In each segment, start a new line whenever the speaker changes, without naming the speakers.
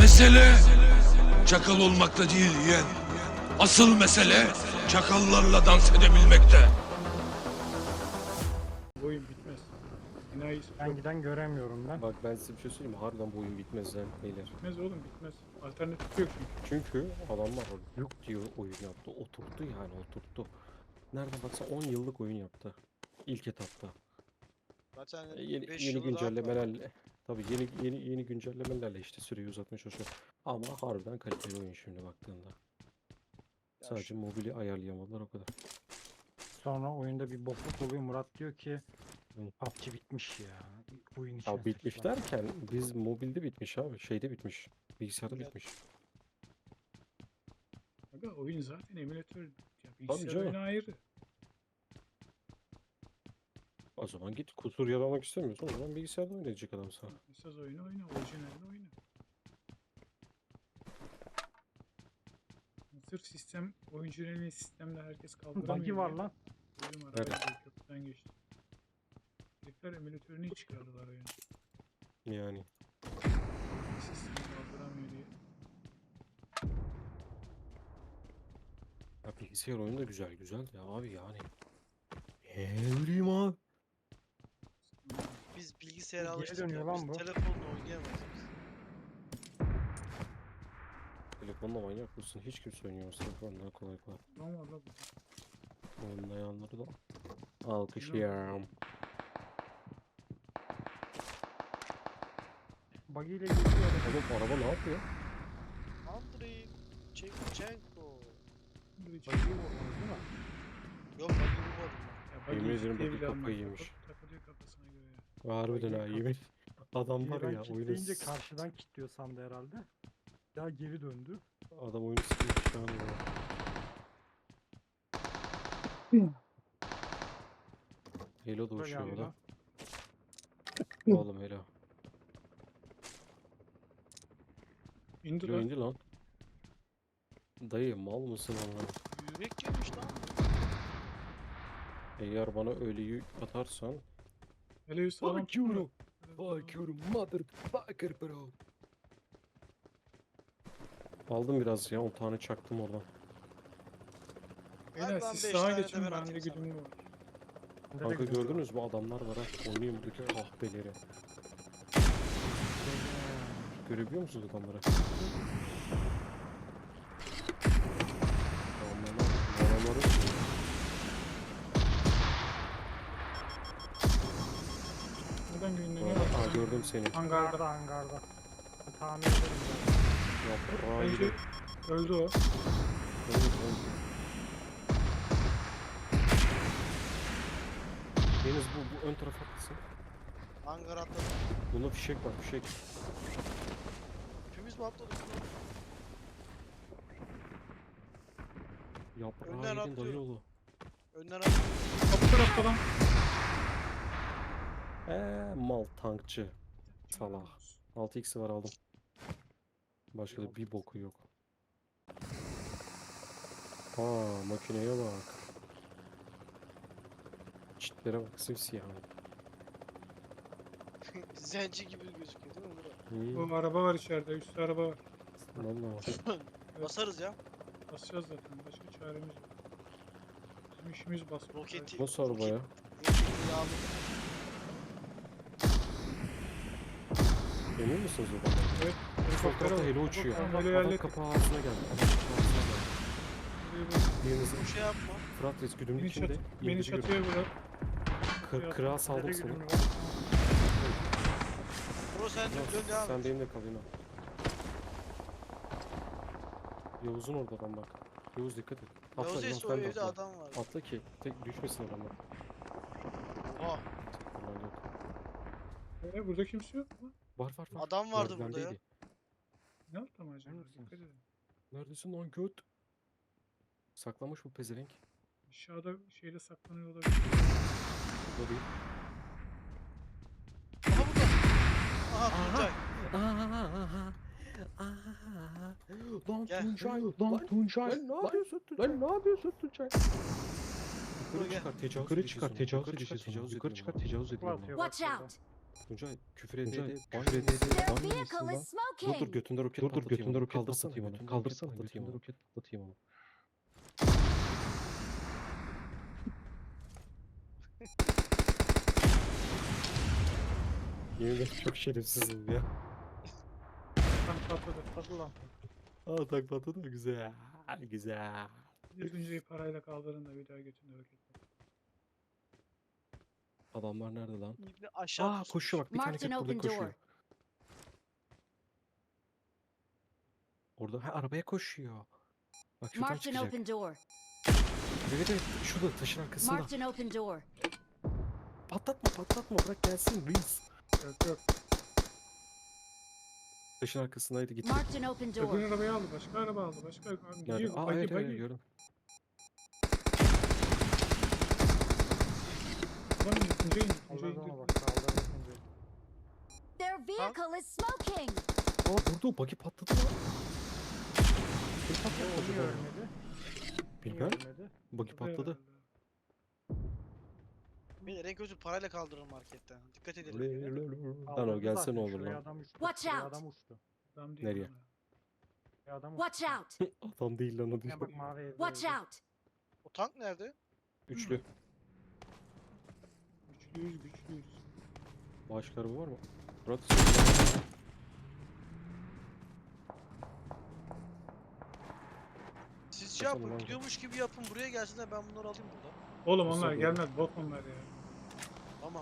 Mesele çakal olmakta değil yeğen. Asıl mesele çakallarla dans edebilmekte.
Bu oyun bitmez. Enayiz
Ben
çok
giden göremiyorum ben.
Bak ben size bir şey söyleyeyim mi? Harbiden bu oyun bitmez lan beyler.
bitmez oğlum bitmez. Alternatif yok çünkü.
Çünkü adamlar yok diyor oyun yaptı. Oturttu yani oturttu. Nereden baksa 10 yıllık oyun yaptı. İlk etapta.
Zaten
Yeni
5
yeni
yılı rahat var.
güncellemelerle tabii yeni güncellemelerle işte süreyi uzatmaya çalışıyor. Ama harbiden kaliteli oyun şimdi baktığında.
Ya
Sadece mobili ayarlayamadılar o kadar.
Sonra oyunda bir bokluk oluyor. Murat diyor ki
Hı.
PUBG bitmiş ya. Oyun içine
Ya bitmiş
sıçtılar.
derken biz mobilde bitmiş abi. Şeyde bitmiş. Bilgisayarda
Evet.
bitmiş.
Aga oyun zaten emülatör. Ya
Tabii
bilgisayar
canım.
oyunu ayrı.
O zaman git kusur yaramak istemiyorsan o zaman bilgisayarda oynayacak adam sana.
Esas oyunu oyna. Orijinalini oyna. Sırf sistem, oyuncunun sistemde herkes kaldıramıyor.
Buggy var
diye
lan.
Oyun var.
Nerede?
Arabayla köprüden geçti. Herifler emülatörünü çıkardılar oyunu.
Yani.
Sistem kaldıramıyor diye.
Ya bilgisayar oyunu da güzel ya abi yani. Ne bileyim abi.
Biz bilgisayara
Geri
alıştık
dönüyor
ya.
lan
Biz
bu.
telefonla oynayamayız biz.
Telefonla manyak mısın? Hiç kimse oynayamaz telefonla kolay kolay.
Ne var la bu?
Oynayanları da alkışlıyorum.
Buggy ile geliyor.
Oğlum araba ne yapıyor?
Andrei Shevchenko.
Bridge.
Buggy'yi vurdunuz değil mi?
Yok ben vurmadım
Ya
Yemin ederim
diye
buggy
bile almadı.
kafayı yemiş.
Takılıyor kafasına göre ya.
Harbiden ha
Buggy
yemin. Adam var
Ben
ya oyunu
kilitleyince karşıdan kilitliyor sandı herhalde. Ya geri döndü.
adam oyunu sıkmış şu an ya. Helo da
Buraya
uçuyor
geldi
o da.
lan.
Oğlum Helo.
İndi
Helo
lan.
indi lan. Dayı mal mısın Allah'ım?
Yürek yemiş lan.
Eğer bana öyle yük atarsan
Hele bir sağlam
Fuck you,
tutma.
fuck you motherfucker bro. Aldım biraz ya 10 tane çaktım oradan.
Beyler
Hadi lan
siz
beş
sağa
tane de
geçin
ben
ben de
atayım sana.
güdümlü var.
Bende de
Kanka
gidiyor.
gördünüz mü adamlar var ha oynayayım buradaki kahpeleri. Görebiliyor musunuz adamları? Adamları
Neden güdümleniyor?
Aa gördüm seni.
Hangarda.
Hangarda. Ben tahmin ederim ben.
Yaprağı
Bence
gibi.
öldü o.
Deniz bu ön tarafa atlasın.
Hangar atladı.
Bunda fişek var fişek.
Hepimiz mi atladık?
Yaprağı
Önden
yedin
atlıyorum.
dayı yolu.
Önden atladı.
Kapı tarafta lan.
Mal tankçı. Salak. 6x'i var aldım. Başka da bir boku yok. Aa makineye bak. Çitlere bak simsiyah.
Zenci gibi gözüküyor değil mi Murat?
Hmm.
Bu araba var içeride. Üstte araba var.
Vallahi.
Basarız ya.
Basacağız zaten. Başka çaremiz yok. Bizim işimiz basmak.
Roketi.
Nasıl araba ya?
Roketi yağlı.
Emin misiniz o kadar?
Evet.
Sol
Helikoptere
tarafta
bak.
heli uçuyor.
Tamam,
Adam
heli hallettik.
kapağı ağzına geldi. Adam kapağı ağzına geldi.
Buraya bak.
Birinizin
Bir şey yapma.
Fırat Reis güdümlü
Beni,
içinde.
beni çatıya bırak.
Kırağa saldım
Nerede
seni.
güdümlü var?
Bro sen
Fırat,
dön devam
sen
et.
benimle kal yine. Yavuz'un orada adam bak. Yavuz dikkat et. Atla
Yavuz
Yavuz
Esi o
sen de
evde
atla.
adam var.
Atla ki tek düşmesin adamlar.
Oha.
Ulan yok.
Burada kimse yok mu?
Var var var.
Adam vardı burada ya.
Merdivendeydi.
Ne yaptı mı acaba?
Neredesiniz?
Dikkat edin.
Neredesin lan göt? Saklamış bu pezevenk.
Aşağıda şeyde saklanıyor olabilir.
Burada değil.
Aha burada. Aha Tuncay.
Lan
Gel.
Tuncay,
Lan Tuncay.
Lan ne yapıyorsun Tuncay?
Lan ne yapıyorsun Tuncay?
Yukarı
Gel.
çıkar, tecavüz
Yukarı
edeceğiz
çıkar
onu.
tecavüz edeceğiz onu. Yukarı çıkar tecavüz edelim.
Watch out!
Tuncay küfür edeydi.
Their vehicle is
Dur
smoking.
götünde roket
Dur
patlatayım
götünde
onu.
roket
Kaldırsana
patlatayım onu.
götünde
Kaldırsana
roket
götünde
patlatayım onu.
roket patlatayım onu.
Yemin ederim çok şerefsizim ya.
Tam patladı.
Hadi lan.
Aa tak patladı mı? Güzel. Güzel.
Bir Tuncay'ı parayla kaldırın da bir daha götünde roket patladı.
Adamlar nerede lan?
İbni aşağı
Aa
pusmuş.
koşuyor bak bir tane
Marked an
ket burada
open
koşuyor.
door.
Orada ha, arabaya koşuyor. Bak şuradan
Marked an
çıkacak.
open door.
Evet evet şurada taşın arkasında.
Marked an open door.
Patlatma bırak gelsin reis.
Yok yok.
Taşın arkasındaydı gitti.
Marked an open door.
Öbür arabayı aldı. Başka araba aldı. Başka abi
Nerede?
gidiyor.
Aa
Bagi
evet evet
bagi.
gördüm.
Lan Tuncay indi. Tuncay
Kaldırdı ama
indi.
bak kaldırdı Tuncay'ı.
Their vehicle is smoking.
Aa burada o buggy patladı lan. Kim patladı
Niye
acaba?
ölmedi? Niye
Bilmem.
ölmedi?
Buggy patladı.
Beyler en kötü parayla kaldırın marketten. Dikkat edelim.
Lan o
Kaldırdı
gelse
zaten,
ne olur
şuraya
lan.
adam uçtu.
Watch
şuraya
out.
adam uçtu.
Adam değil
Nereye?
lan.
Şuraya adam
Watch
uçtu.
out.
Adam değil lan o değil.
Ya bak mavi evde
Watch
öldü.
out.
O tank nerede?
Üçlü.
Güçlüyüz.
Başka araba var mı? Murat.
Siz şey
Bakalım
yapın,
abi.
gidiyormuş gibi yapın, buraya gelsinler, ben bunları alayım burada.
Oğlum
Nasıl
onlar
oldu?
gelmez. Bot onlar ya.
Tamam.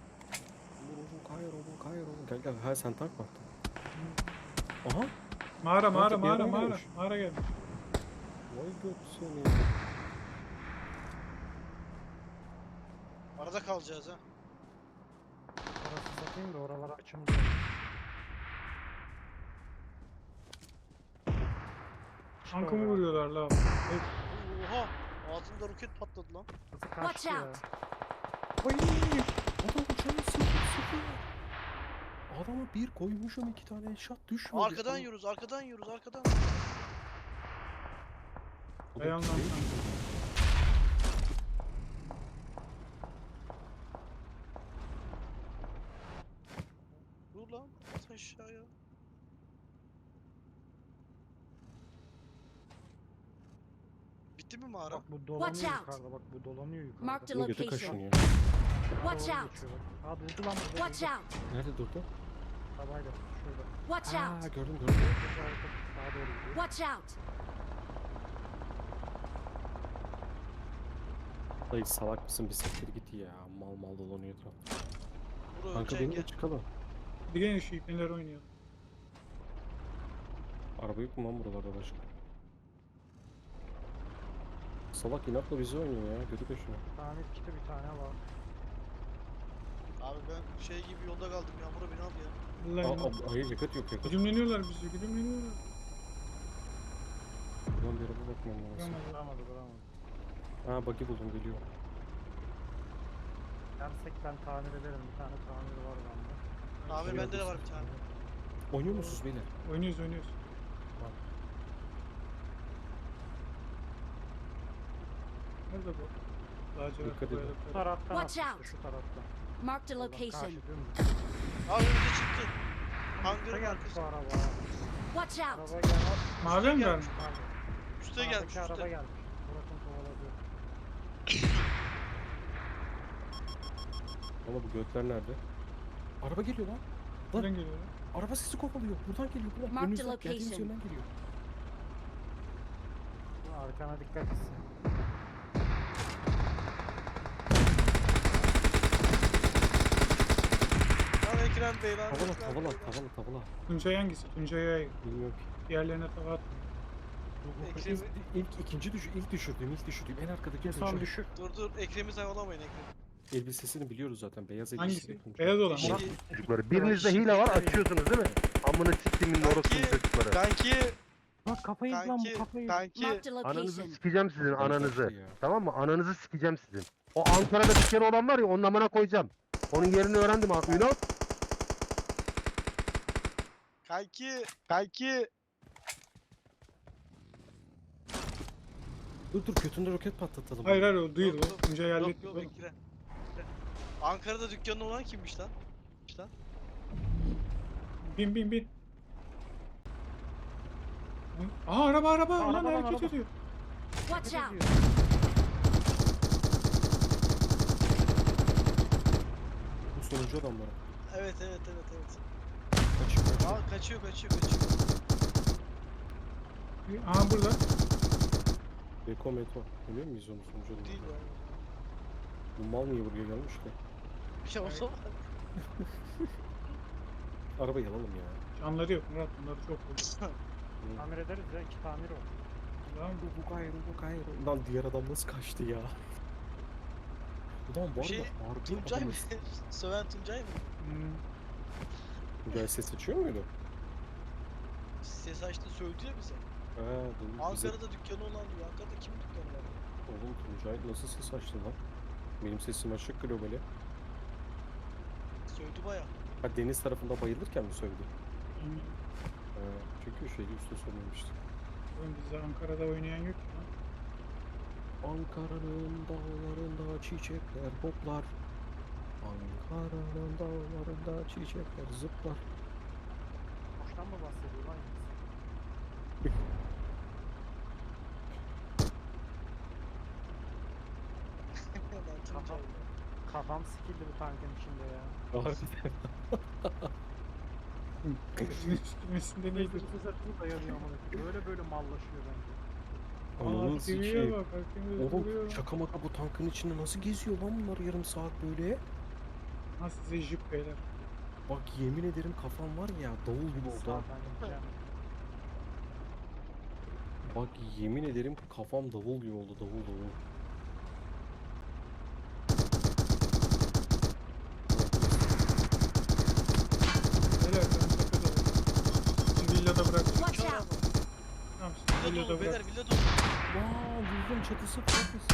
Kayır oğlum. Gel gel. Ha sen tank mı attın? Aha.
Mağara
Artık bir adam
mağara.
gelmiş.
Mağara gelmiş.
Vay göt seni.
Arada kalacağız ha.
Orası satayım da oraları açayım diye. İşte
Tankımı
oraya.
vuruyorlar la. Evet.
Oha! Ağzımda roket patladı lan.
Nasıl
Watch
kaçtı ya?
out.
Ay. Adam uçağı sıkıyor. Adama bir koymuşum 2 tane eşat düşmedi.
Arkadan
Adam-
yiyoruz, arkadan yiyoruz, arkadan.
Adam
Dayan lan
şey-
sen.
Dur lan, at aşağıya. Bitti mi mağara?
Bak bu dolanıyor
Watch out.
yukarıda bak bu dolanıyor yukarıda.
Marked a
Bunun götü
location.
kaşınıyor.
Sağa
Watch
doğru
out.
geçiyor bak. Aa durdu lan burada.
Watch
durdu.
out.
Nerede durdu?
Arabayla şurada.
Watch
Aa
out.
gördüm.
Burada arka sağa doğru gidiyor.
Watch out.
Dayı salak mısın bir siktir git ya. Mal dolanıyor etrafta.
Buraya
Kanka
öleceksin,
benimle
gel.
çıkalım.
Bir gelin şu ipneler oynayalım.
Araba yok mu lan buralarda başka? Salak inatla bizi oynuyor ya. Götü kaşınıyor.
Tamir kiti bir tane var.
Abi ben şey gibi yolda kaldım, Yağmur'a beni al ya.
Vallahi
Hayır yakıt yok yakıt.
güdümleniyorlar bizi. Güdümleniyorlar.
Buradan bir araba bakmam lazım.
Duramadı duramadı.
Ha buggy buldum geliyor.
Dersek ben tamir ederim. Bir tane tamir var bende.
Tamir
Şuraya
bende de var
basın.
bir tane.
Oynuyor musunuz beyler?
Oynuyoruz. Nerede bu? Lacivert
Dikkat edin.
Bu
boyalı.
taraftan
Watch
atmıştı,
out.
şu taraftan.
Marked a
Buradan karşı
location.
dümdüz.
Abi önümüze çıktı.
Üste
Hangarın
gelmiş bu
arkası.
araba.
Watch out.
Araba gelmiş.
Mavi mi
gelmiş.
gelmiş?
Pardon.
Üste gelmiş,
Sağdaki araba
üste.
gelmiş. Murat'ın kovaladığı.
Ama bu götler nerede? Araba geliyor lan.
Nereden geliyor lan?
Araba sesi kovalıyor. Buradan geliyor. Buradan.
Mark the
Önünüzden geldiğiniz
location.
yönden geliyor.
Arkana dikkat etsin.
Lan Ekrem Bey lan.
Tavala
Ekrem
tavala
Bey lan.
tavala.
Tuncay hangisi? Tuncay'a
Bilmiyorum ki.
diğerlerine tava atma.
Ekrem'i...
İlk düşürdüğüm en arkadaki
Son
Tuncay.
düşük.
Dur Ekrem'i savalamayın Ekrem.
Elbisesini biliyoruz zaten. Beyaz elbiseli
Hangisi?
Tuncay.
Beyaz olan.
İşte-
Murat.
Çocukları birinizde hile var açıyorsunuz değil mi? Amına siktimin orospu çocukları.
Kanki,
Bak kafayı lan
kanki,
bu kafayı.
kanki.
Marked a
Ananızı
location.
sikeceğim sizin
Kaçtı
ananızı.
ya.
Tamam mı? Ananızı sikeceğim sizin. O Ankara'da bir kere olan var ya onun amına koyacağım. Onun yerini öğrendim ha. Ünal.
Kanki.
Dur götünde roket patlatalım.
Hayır o değil
Yok,
o.
yok,
Tuncay
Yok
halletti.
yok
oğlum.
Ekrem. Ankara'da dükkanı olan kimmiş lan?
Bin bin bin. Aa araba araba.
Aa,
Ulan
araba,
hareket
araba.
ediyor.
Watch out!
Bu sonuncu adamlar.
Evet evet evet evet.
Kaçıyor.
Aa kaçıyor.
Aha burada.
Beko Meto. Biliyor muyuz onu sonuncu adamı?
Değil ya.
Bu mal niye buraya gelmiş ki?
Ya o zaman.
Arabayı alalım ya.
Canları yok Murat. Bunları çok vurdu.
Tamir ederiz ya. 2 tamir var.
Tamam mı?
Bu gayrı. Lan diğer adam nasıl kaçtı ya? Ulan bu
Şey,
arada harbi
Tuncay mı?
adamız.
Söven Tuncay mı?
Hmm.
Tuncay ses açıyor muydu?
Ses açtı sövdü ya bize.
He doğru. Bize...
Ankara'da dükkanı olan diyor. Ankara'da kimin dükkanı var?
Oğlum Tuncay nasıl ses açtı lan? Benim sesim açık globali.
Sövdü baya.
Ha deniz tarafında bayılırken mi sövdü?
Hmm.
He, çünkü şeyde üstte sormamıştı.
Oğlum bizde Ankara'da oynayan yok ki lan.
Ankara'nın dağlarında çiçekler hoplar. Ankara'nın dağlarında çiçekler zıplar.
Boştan mı bahsediyor lan?
Lan Tuncay.
Kafam sikildi bu tankın içinde ya.
Harbiden.
Üstümesinde neydi?
Ses açını dayanıyor amına koyayım. Böyle mallaşıyor bence.
Ananı
Aa
sikeyim.
TV'ye bak. Hakkımız
Oğlum
duruyor.
şaka maka bu tankın içinde nasıl geziyor lan bunlar yarım saat böyle?
Ha size jip beyler.
Bak yemin ederim kafam var ya davul gibi oldu ha.
Sağdan gideceğim.
Bak yemin ederim kafam davul gibi oldu davul.
Beyler ben tepede olayım. Sizi villada bırakacağım.
Watch
Uçar
out!
ama.
Tamam sizi
Villa
villada
dolu beyler
bırak.
villa dolu.
Vaa buldum çatısı çatısı.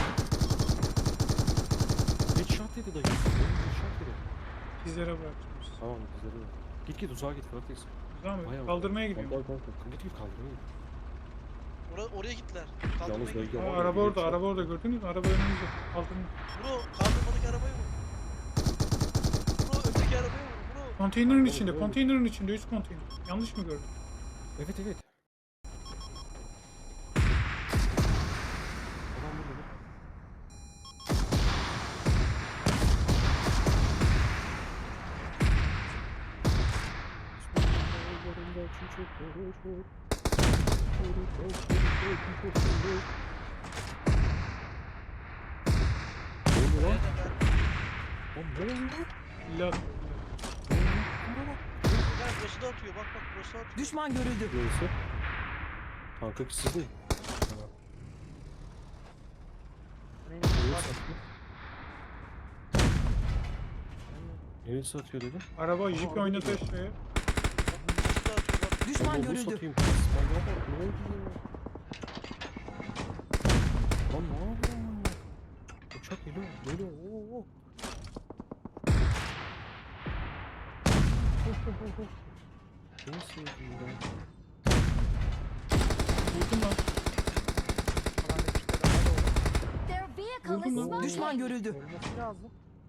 Headshot dedi dayı. Headshot dedi.
Sizlere bırakacağım sizi.
Tamam güzel oldu. Git uzağa git Fırat'tayız.
Tamam
Bayağı
mı? Kaldırmaya gidiyorum.
Git kaldırmaya git.
Oraya gittiler.
Yalnız
Kaldırmaya
bölge
gidiyor.
Aa,
var ya,
araba
bir
orada,
headshot.
araba orada gördünüz mü? Araba önümüzde. Kaldırın.
Bro kaldırmadaki arabayı vur. Bro öteki arabayı vur. Bro.
Konteynerin
Oğlum,
içinde,
oğlum.
konteynerin içinde, üst konteyner. Yanlış mı gördüm?
Evet. Adam burada bak. Dağlarında çiçekler uçur. Ne oluyor lan? Lan ne oluyor lan?
İlla
Bak burası da atıyor. Bak burası atıyor.
Düşman görüldü.
Neyse. Kanka siz mi? Neresi atıyor dedim?
araba jip oynatıyor şuraya.
Burası da atıyor. Bak.
Düşman
Onu
görüldü.
satayım. İsmail'e bak ne oldu ya? Lan ne yapıyorsun lan? Uçak geliyor. Oo. Nasıl yedin ben?
Vurdum lan.
Their vehicle is
Buldum lan.
smoking!
Düşman görüldü.
Ölmesi lazım.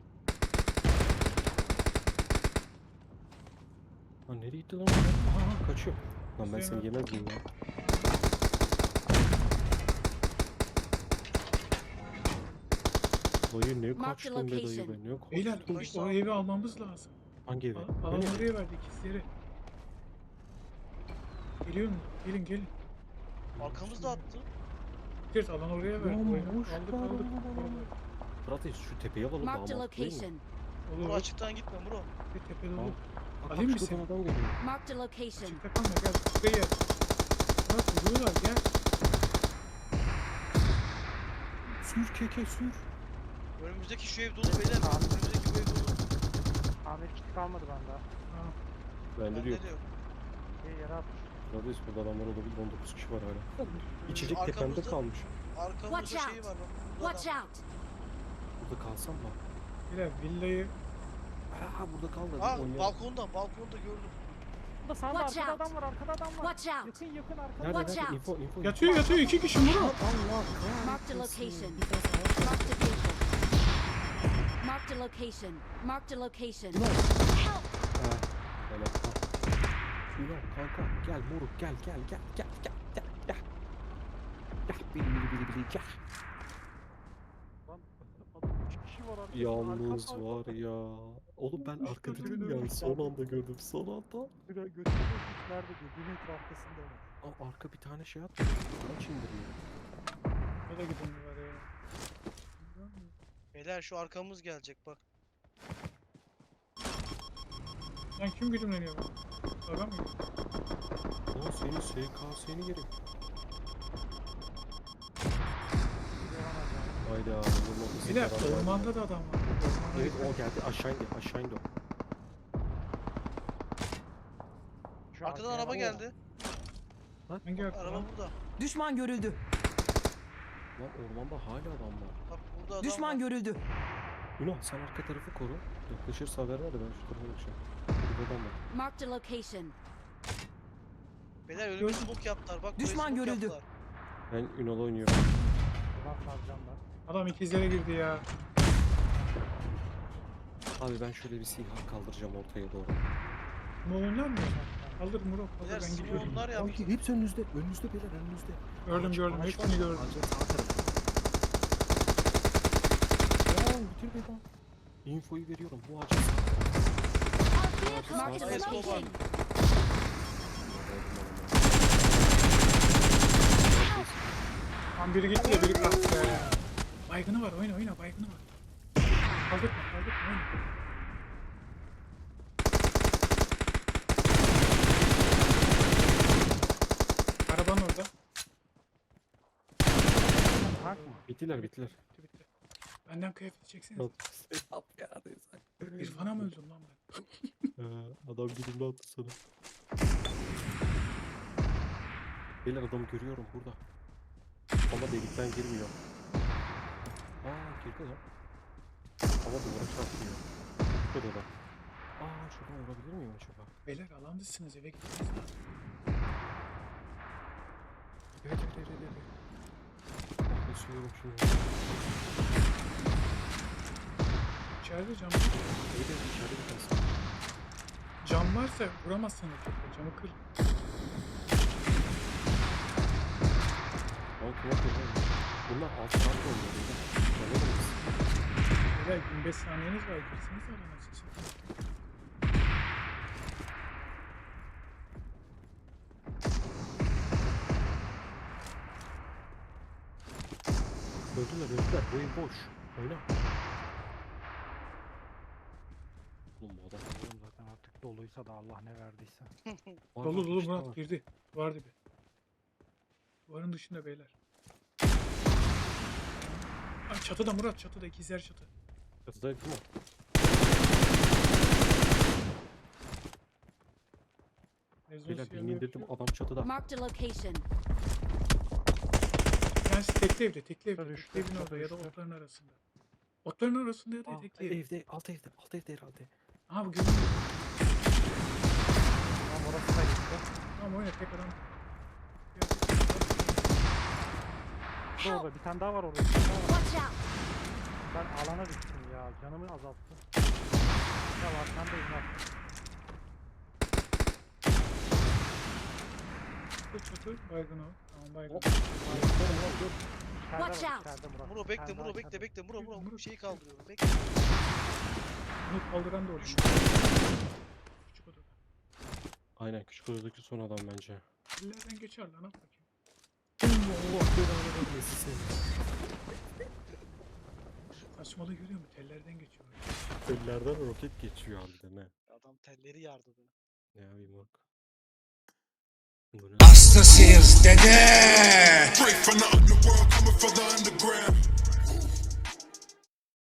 Lan nereye gitti lan? Aha kaçıyor. Lan ben seni
Hüseyin
yemez miyim ya? Dayı ne
Mark the
kaçtın be dayı
location.
be ne kaçtın?
Beyler o evi almamız lazım.
Hangi evi?
Alan
Öyle mi?
oraya verdik ikizleri. Geliyor mu? Gelin.
Arkamızda attı.
Gideriz alan oraya verdik.
Lan
O evi
boş
aldık
ver
aldık.
lan. Fırat şu tepeye alalım daha
Marked a
mantıklı değil mi?
location.
Bro
Olur.
açıktan gitme bro.
Bir tepede
Tamam.
olur.
Bak
Alayım mı
şuradan
seni?
adam geliyor.
Marked a location.
Çıkta kalma gel. Şuraya gel. Bak vuruyorlar gel.
Sür keke sür.
Önümüzdeki şu ev dolu beyler. Önümüzdeki bu ev dolu.
Tamir kiti kalmadı bende.
Ha.
Bende de yok.
Bende de yok.
Bir yere atmış.
Neredeyiz burada adamlar olabilir 19 kişi var hala. İçecek
Arkamızda-
tepemde kalmış.
Arkamızda
Watch
şey
out.
var bak. Burada
Watch
adam.
out!
Burada kalsam mı?
Beyler villayı
Ha burada kal da.
Aa
oynayalım.
balkonda gördüm.
Burada sağda
Watch
arkada
out.
adam var, arkada adam var.
Watch out!
Yakın arkada.
Nerede
Watch
nerede?
out.
Info.
yatıyor iki kişi Murat.
Allah
Marked a
kahretsin.
location. Marked a vehicle. Marked a location. Marked a location.
Ulan.
Help!
Ha, öyle. Ünal kanka gel moruk gel gel gel gel gel gel gel. Gel bili gel.
Lan adam 3 kişi var arkada.
Yalnız
Arka-
var ya. Oğlum ben
Üç
arkada
gözümün
değilim yani
önünde.
son anda gördüm son anda.
Götürüyor hiç nerede diyor. 1 metre arkasında var.
Aa, arka bir tane şey attı. Kaç indiriyor.
Ne de gidin var ya.
Beyler şu arkamız gelecek bak.
Lan kim güdümleniyor bu? Adam mı?
Lan senin SKS'ni yerim. Hayda.
Bir de ormanda da adam var. Ormana
Evet
gitmek-
o geldi aşağı indi aşağı indi o.
Şu
Arkadan
arkaya
araba
bak.
geldi.
Hangi arka
Araba
lan?
burada.
Düşman görüldü.
Lan ormanda hala adam var.
Bak burada adam
Düşman
var.
görüldü.
Ünal sen arka tarafı koru. Yaklaşırsa haber ver de ben şu tarafa geçeyim. Bir adam var.
Marked a location.
Beyler önüme smoke yaptılar. Bak buraya
Düşman
smoke
görüldü.
yaptılar.
Ben Ünal'a oynuyorum.
Ulan saracağım ben.
Adam ikizlere girdi ya.
Abi ben şöyle bir silah kaldıracağım ortaya doğru.
Moğollar mı? Kaldır Murat kaldır
Beyler
ben gidiyorum.
smoke'lar yaptı.
Ay, hepsi önünüzde. Önünüzde beyler önünüzde.
Gördüm
Ağaç-
gördüm
ağaç
hepsini
var,
gördüm.
ağacın sağ tarafı. Ya bitir be lan. Infoyu veriyorum. Bu ağacın sağ
Our vehicle
Marked
is
a location.
smoking.
Tam biri gitti de biri kalktı be. Baygını var oyna oyna baygını var. Kaldırma kaldırma oyna. Arabanın orada.
Tank mı?
Bittiler bittiler.
Bitti bitti. Benden kıyafet çeksene.
Selam ya neyse.
İrfan'a mı öldüm lan ben?
Adam güdümlü attı sana. Beyler adamı görüyorum burada. Ama delikten girmiyor. Aa girdi lan. Ama duvara çarpıyor. Şurada da. Aa şuradan vurabilir miyim acaba?
Beyler alandısınız eve gittiniz lan.
Evet. Basıyorum şimdi.
İçeride cam.
Evet içeride bir tanesi.
Cam varsa vuramazsınız. Camı kır.
Lan kulak yok. Bunlar alt tarafta oluyor. Anladın mı?
Beyler 25 saniyeniz var. Girsiniz alana siz.
Öldüler. Bu ev boş. Oyna. Oğlum bu adam.
Oğlum zaten artık doluysa da Allah ne verdiyse.
Var,
Dolu
var,
dolu
işte
Murat
var.
girdi. Var dibi. Duvarın dışında beyler. Ay çatıda Murat çatıda ikizler çatı.
Çatıdaydı değil mi? Beyler birini indirdim adam çatıda.
Marked a location.
Yani tekli evde tekli evde.
Çatı
Tekli
düştü,
evin orada
çatı
ya da
düştü.
otların arasında. Otların arasında ya da
Aa,
tekli evde.
evde alt evde.
Aha bu görünüyor.
Tamam orası da gitti.
Tamam oyna tek adam.
Orada bir tane daha var orada. Bir tane daha var.
Watch out.
Ben alana düştüm ya. Canımı azalttı. Ya var sen de izle.
Bu çatı baygın o. Tamam baygın.
Hop.
Watch out.
İçeride Murat.
Muro
Bir
bekle
tane daha
Muro bekle
içeride.
bekle Muro
Muro.
Muro şeyi kaldırıyorum bekle.
Bunu kaldıran da orada. Küçük odada.
Aynen küçük odadaki son adam bence.
Ellerden geçer lan at bakayım.
Allah belanı vermesin seni.
Saçmalığı görüyor musun? Tellerden geçiyor.
Ellerden roket geçiyor harbiden he.
Adam telleri yardı beni.
Ne yapayım bak. Bu ne?
Hastasıyız dede.